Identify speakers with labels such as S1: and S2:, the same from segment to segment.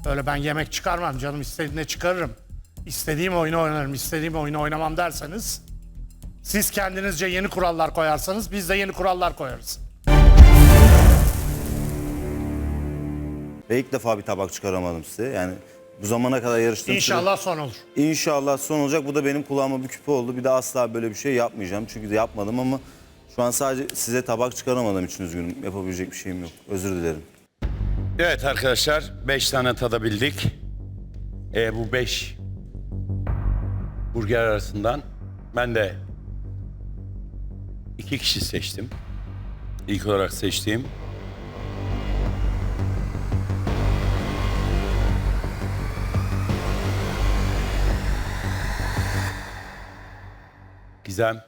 S1: Öyle ben yemek çıkarmam canım, istediğine çıkarırım. İstediğim oyunu oynarım, istediğim oyunu oynamam derseniz siz kendinizce yeni kurallar koyarsanız biz de yeni kurallar koyarız.
S2: Ve ilk defa bir tabak çıkaramadım size. Yani bu zamana kadar yarıştığım
S1: İnşallah son olur.
S2: İnşallah son olacak. Bu da benim kulağıma bir küpe oldu. Bir daha asla böyle bir şey yapmayacağım. Çünkü de yapmadım ama şu an sadece size tabak çıkaramadığım için üzgünüm. Yapabilecek bir şeyim yok. Özür dilerim.
S3: Evet arkadaşlar 5 tane tadabildik. Bu 5 burger arasından ben de 2 kişi seçtim. İlk olarak seçtiğim Gizem.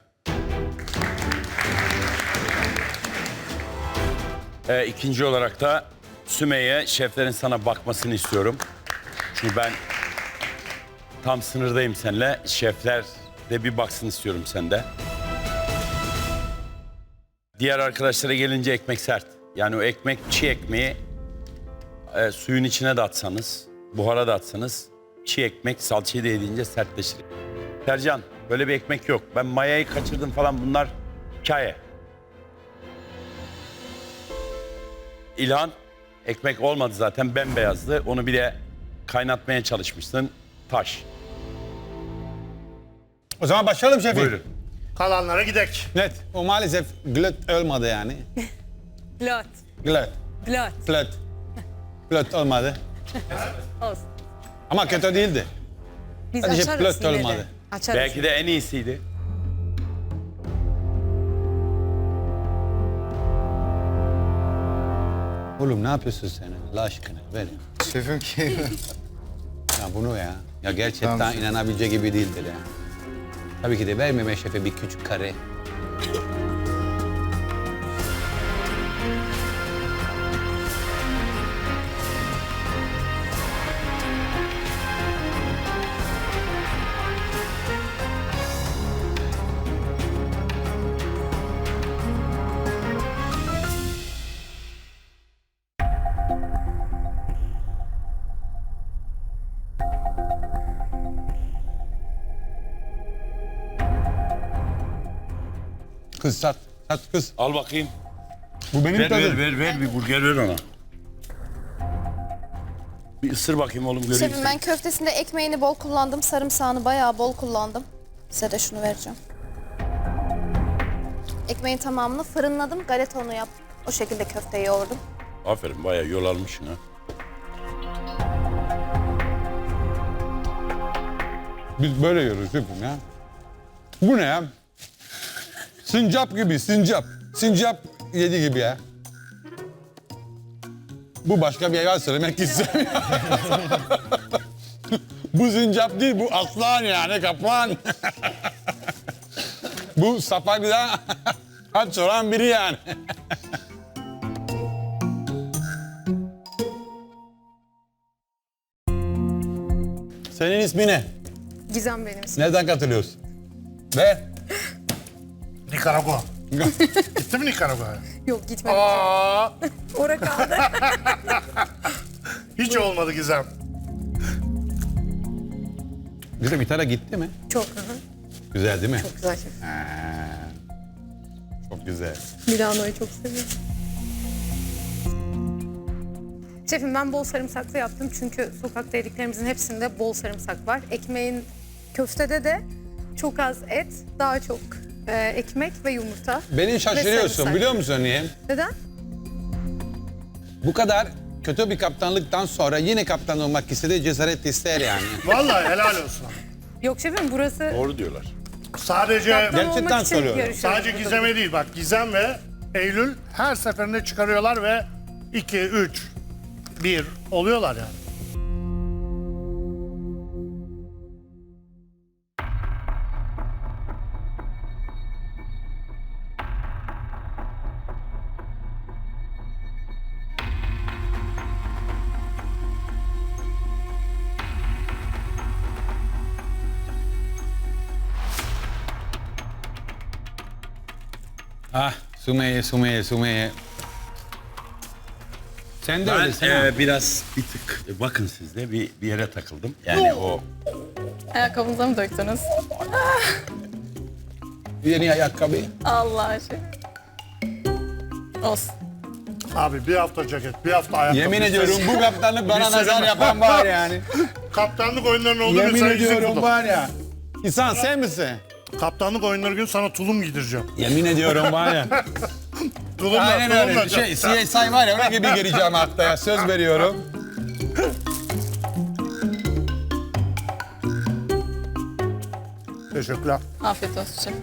S3: İkinci olarak da Sümeyye, şeflerin sana bakmasını istiyorum. Çünkü ben tam sınırdayım seninle. Şefler de bir baksın istiyorum sende. Diğer arkadaşlara gelince ekmek sert. Yani o ekmek, çiğ ekmeği suyun içine de atsanız, buhara da atsanız çiğ ekmek salçayı da yediğince sertleşir. Sercan, böyle bir ekmek yok. Ben mayayı kaçırdım falan, bunlar hikaye. İlhan, ekmek olmadı zaten, bembeyazdı. Onu bir de kaynatmaya çalışmışsın. Taş.
S4: O zaman başlayalım şefim.
S3: Buyurun.
S1: Kalanlara gidek.
S4: Net. O maalesef glöt olmadı yani.
S5: Glöt.
S4: Glöt.
S5: Glöt.
S4: Glöt. Glöt olmadı.
S5: Olsun.
S4: Ama kötü değildi.
S5: Biz
S4: Hadi şef,
S5: açarız
S4: glöt
S5: yine de.
S4: olmadı.
S5: Açarız.
S3: Belki de en iyisiydi.
S4: Oğlum ne yapıyorsun sen? Allah aşkına ver.
S6: Şefim ki
S4: Ya bunu ya. Ya gerçekten
S6: Tamam.
S4: inanabileceği gibi değildir ya. Tabii ki de vermeme şefe bir küçük kare. Kız sat. Sat kız.
S3: Al bakayım.
S4: Bu benim
S3: Ver,
S4: tadım.
S3: ver bir burger ver ona. Bir ısır bakayım oğlum, göreyim
S7: Şefim
S3: seni.
S7: ben köftesinde ekmeğini bol kullandım. Sarımsağını bayağı bol kullandım. Size de şunu vereceğim. Ekmeğin tamamını fırınladım. Galeta unu yaptım. O şekilde köfteyi yoğurdum.
S3: Aferin, bayağı yol almışsın ha.
S4: Biz böyle yiyoruz şefim ya. Bu ne ya? Sincap gibi, sincap. Sincap yedi gibi ya. Bu başka bir hayvan söylemek istemiyor. Bu sincap değil, bu aslan yani, kaplan. Bu Sapanca'da aç olan biri yani. Senin ismin ne?
S5: Gizem benim ismim.
S4: Nereden katılıyorsun? Ve
S1: Nikaragua. Gitti mi Nikaragua'ya?
S5: Yok gitmedi.
S1: Aa,
S5: Ora kaldı.
S1: hiç olmadı Gizem.
S4: bizim İtalya gitti mi?
S5: Çok.
S4: Güzel değil mi?
S5: Çok güzel şef.
S4: Çok güzel.
S5: Milano'yu çok seviyorum. Şefim ben bol sarımsaklı yaptım çünkü sokakta yediklerimizin hepsinde bol sarımsak var. Ekmeğin köftede de çok az et, daha çok ekmek ve yumurta.
S4: Beni
S5: Ve
S4: şaşırıyorsun
S5: sarımsak.
S4: biliyor musun niye?
S5: Neden?
S4: Bu kadar kötü bir kaptanlıktan sonra yine kaptan olmak istedi, cesaret ister yani.
S1: Vallahi helal olsun.
S5: Yok şefim burası
S3: Doğru diyorlar.
S1: Sadece
S5: kaptan
S4: Gerçekten
S5: olmak için
S4: soruyorum.
S5: yarışıyoruz
S1: sadece
S5: burada.
S1: Gizem'e değil, bak Gizem ve Eylül her seferinde çıkarıyorlar ve 2, 3, 1 oluyorlar yani.
S4: Ah, Sümeyye. Sen de
S3: Ben
S4: öylesin ha.
S3: biraz bir tık bakın siz de bir yere takıldım. Yani o
S6: Ayakkabınıza mı döktünüz?
S4: Yeni ayakkabı.
S6: Allah aşkına. Olsun.
S1: Abi bir hafta ceket, bir hafta ayakkabı.
S4: Yemin ediyorum bu kaptanlık bana nazar yapan var yani.
S1: Kaptanlık oyunlarının olduğu gün
S4: Yemin
S1: sana yüzük
S4: ediyorum
S1: buldum.
S4: var ya. İnsan sen misin?
S1: Kaptanlık oyunları gün sana tulum giydireceğim.
S4: Yemin ediyorum var ya.
S1: Tulumla,
S4: Aynen öyle.
S1: tulumla.
S4: CSI var ya ona gibi gireceğim haftaya. Söz veriyorum.
S1: Teşekkürler.
S6: Afiyet olsun şef.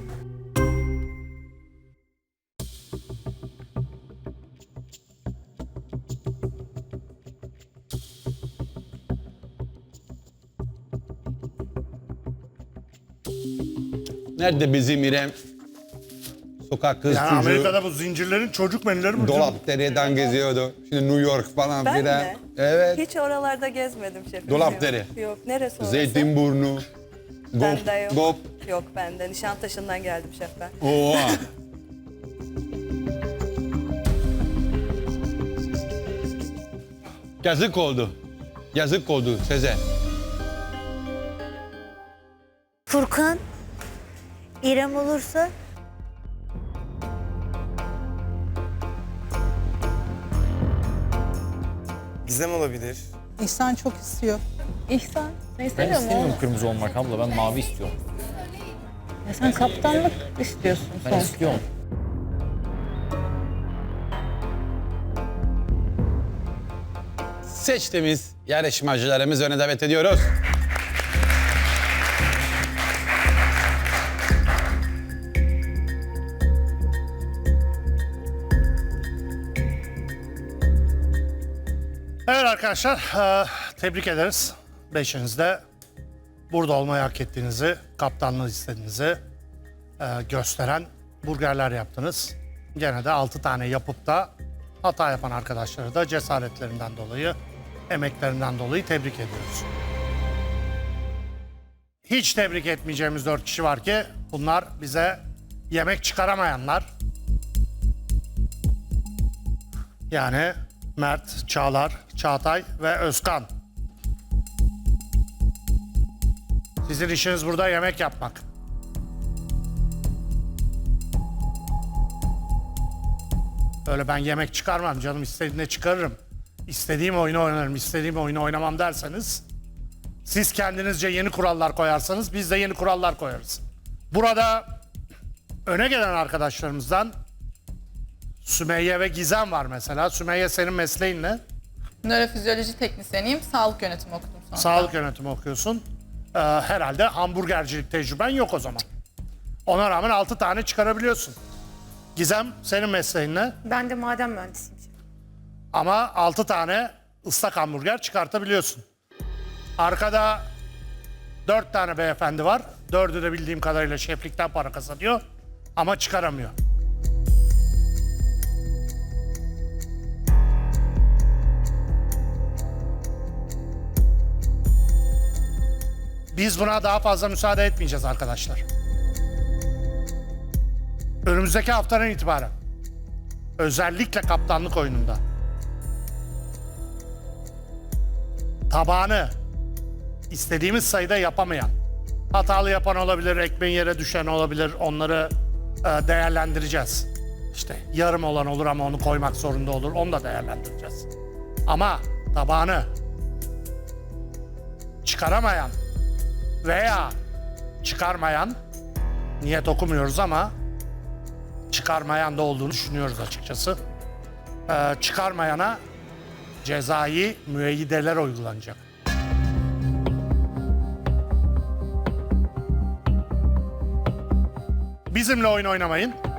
S4: Nerede bizim İrem? Sokak kız
S1: Yani
S4: çocuğu.
S1: Amerika'da bu zincirlerin çocuk menüleri mi?
S4: Dolapdere'den geziyordu. Şimdi New York falan
S8: Ben
S4: filan.
S8: mi?
S4: Evet.
S8: Hiç oralarda gezmedim şefim.
S4: Dolapdere.
S8: Yok, neresi orası?
S4: Zeytinburnu.
S8: Bende yok.
S4: Gop.
S8: Yok bende. Nişantaşı'ndan geldim şef ben.
S4: Oha. Yazık oldu. Yazık oldu Sezer.
S9: Furkan, İrem olursa
S10: Gizem olabilir.
S11: İhsan çok istiyor.
S6: İhsan. Ne
S11: Ben
S6: istemiyor mu?
S11: istemiyorum kırmızı olmak abla, ben mavi istiyorum.
S6: Ya sen kaptanlık istiyorsun
S11: Ben
S6: sonuçta.
S11: istiyorum.
S4: Seçtiğimiz yarışmacılarımız öne davet ediyoruz.
S1: Evet arkadaşlar, tebrik ederiz. Beşiniz de burada olmayı hak ettiğinizi, kaptanlığı istediğinizi gösteren burgerler yaptınız. Gene de 6 tane yapıp da hata yapan arkadaşları da cesaretlerinden dolayı, emeklerinden dolayı tebrik ediyoruz. Hiç tebrik etmeyeceğimiz 4 kişi var ki bunlar bize yemek çıkaramayanlar. Yani Mert, Çağlar, Çağatay ve Özkan. Sizin işiniz burada yemek yapmak. Öyle ben yemek çıkarmam canım, istediğine çıkarırım. İstediğim oyunu oynarım, istediğim oyunu oynamam derseniz siz kendinizce yeni kurallar koyarsanız biz de yeni kurallar koyarız. Burada öne gelen arkadaşlarımızdan Sümeyye ve Gizem var mesela. Sümeyye, senin mesleğin ne?
S6: Nörofizyoloji teknisyeniyim. Sağlık yönetimi okudum sonra.
S1: Sağlık yönetimi okuyorsun. Herhalde hamburgercilik tecrüben yok o zaman. Ona rağmen 6 tane çıkarabiliyorsun. Gizem, senin mesleğin ne?
S5: Ben de maden mühendisiyim.
S1: Ama 6 tane ıslak hamburger çıkartabiliyorsun. Arkada 4 tane beyefendi var. 4'ü de bildiğim kadarıyla şeflikten para kazanıyor. Ama çıkaramıyor. Biz buna daha fazla müsaade etmeyeceğiz arkadaşlar. Önümüzdeki haftadan itibaren özellikle kaptanlık oyununda tabağını istediğimiz sayıda yapamayan, hatalı yapan olabilir, ekmeğin yere düşen olabilir, onları değerlendireceğiz. İşte yarım olan olur ama onu koymak zorunda olur, onu da değerlendireceğiz. Ama tabağını çıkaramayan veya çıkarmayan, niyet okumuyoruz ama çıkarmayan da olduğunu düşünüyoruz açıkçası. Çıkarmayana cezai müeyyideler uygulanacak. Bizimle oyun oynamayın.